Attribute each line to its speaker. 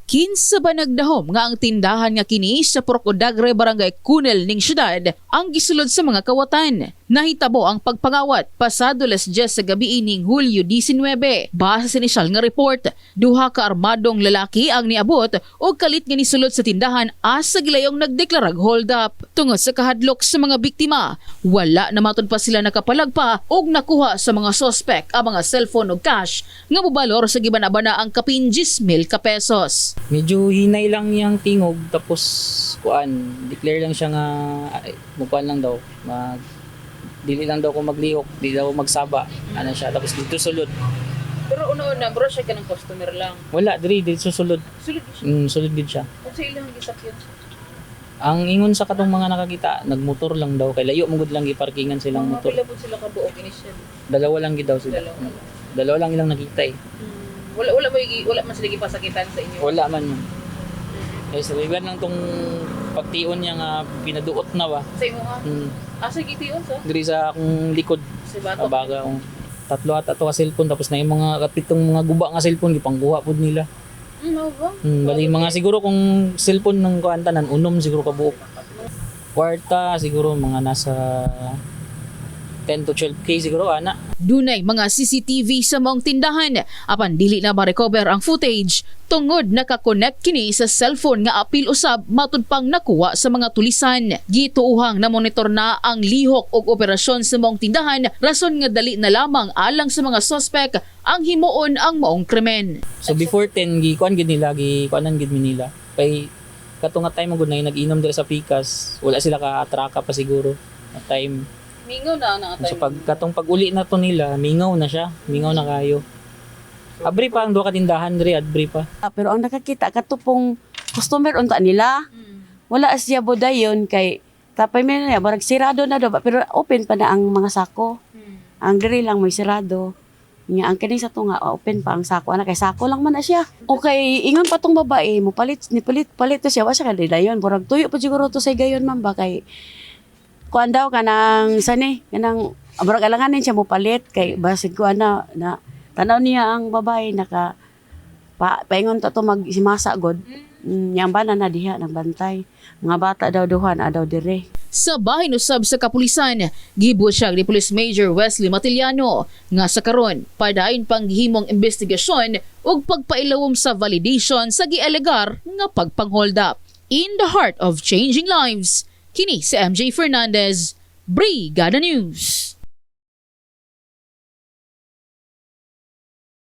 Speaker 1: Kinsa ba nagdahom nga ang tindahan nga kini sa Procodagre Barangay Cunel ning syudad ang gisulod sa mga kawatan. Nahitabo ang pagpangawat pasado 10 sa gabi ning Hulyo 19. Base sa inisyal nga report, duha ka armadong lalaki ang niabot o kalit nga nisulod sa tindahan asa gilayong nagdeklarag hold up. Tungod sa kahadlok sa mga biktima, wala na matod pa sila nakapalagpa og nakuha sa mga sospek ang mga cellphone ug cash nga mobalor sa giban-abana ang kapin 10,000 ka pesos.
Speaker 2: Medyo hinay lang yung tingog tapos declare lang siya nga mukuan lang daw dili lang daw ko maglihok, di daw magsaba ano siya tapos dito sulod.
Speaker 1: Pero una-una bro siya ka ng customer lang.
Speaker 2: Wala dito susulod.
Speaker 1: Sulod siya.
Speaker 2: Sulod gid siya.
Speaker 1: Kung sa ilang gisakyan siya.
Speaker 2: Ang ingon sa katong mga nakakita, nagmotor lang daw kay layo mong lang giparkingan silang motor.
Speaker 1: Pila po sila ka buok initial.
Speaker 2: Dalawa lang gid daw sila. Dalawa lang ilang nakita eh.
Speaker 1: Wala man sila gipasakitan sa inyo.
Speaker 2: Wala man man. Eh sa liban lang tong pagtion niya nga pinaduot na ba.
Speaker 1: Sa imo nga. Asa gitiyon sa?
Speaker 2: Diri sa akong likod.
Speaker 1: Sa batok.
Speaker 2: Abaga akong tatlo at ato ka cellphone tapos na yung mga kapitong mga guba nga cellphone gipangguha pud nila.
Speaker 1: Ba?
Speaker 2: Bali mga siguro kung cellphone ng kuantanan unom siguro ka buok. Kwarta siguro mga nasa 10 to 12K siguro ana.
Speaker 1: Dunay mga CCTV sa maong tindahan apan dili na ma-recover ang footage tungod nakakonect kini sa cellphone nga apil usab matud pang nakuha sa mga tulisan. Gituuhang na monitor na ang lihok og operasyon sa maong tindahan rason nga dali na lamang alang sa mga suspek ang himuon ang maong krimen.
Speaker 2: So before 10 kuan gid nila kuanan gid mi nila. Kay kato nga time gud na nag-inom dira sa Picas, wala sila ka-atraka pa siguro at time.
Speaker 1: Mingaw na
Speaker 2: So katong pag-uli na to nila, mingaw na siya, mingaw na kayo. Abri pa ang duha ka tindahan diri, abri pa.
Speaker 3: Pero ang nakakita katupong customer unta nila. Wala siya bodayon kay tapay man na barag sirado na daw pero open pa na ang mga sako. Ang diri lang may sirado. Nga ang kini sa to nga open pa ang sako ana kay sako lang man na siya. Okay, ingon pa tong babae mo palit to siya wa siya kadidayon. Burag tuyo pa siguro to sa gayon man ba kay kuan daw kanang kanang burag alanganin siya mo palit kay basig kuan na tanaw niya ang babae naka paingon to magsimasa god. Yang bana na diha nang bantay. Mga bata daw duhan adaw dire.
Speaker 1: Sa bahin usab sa kapulisan, gibuot siya ni Police Major Wesley Matiliano nga sa karon padayon pang gihimong investigasyon ug pagpailawom sa validation sa gialegar nga pagpang-hold up. In the heart of changing lives, kini si MJ Fernandez, Brigada News.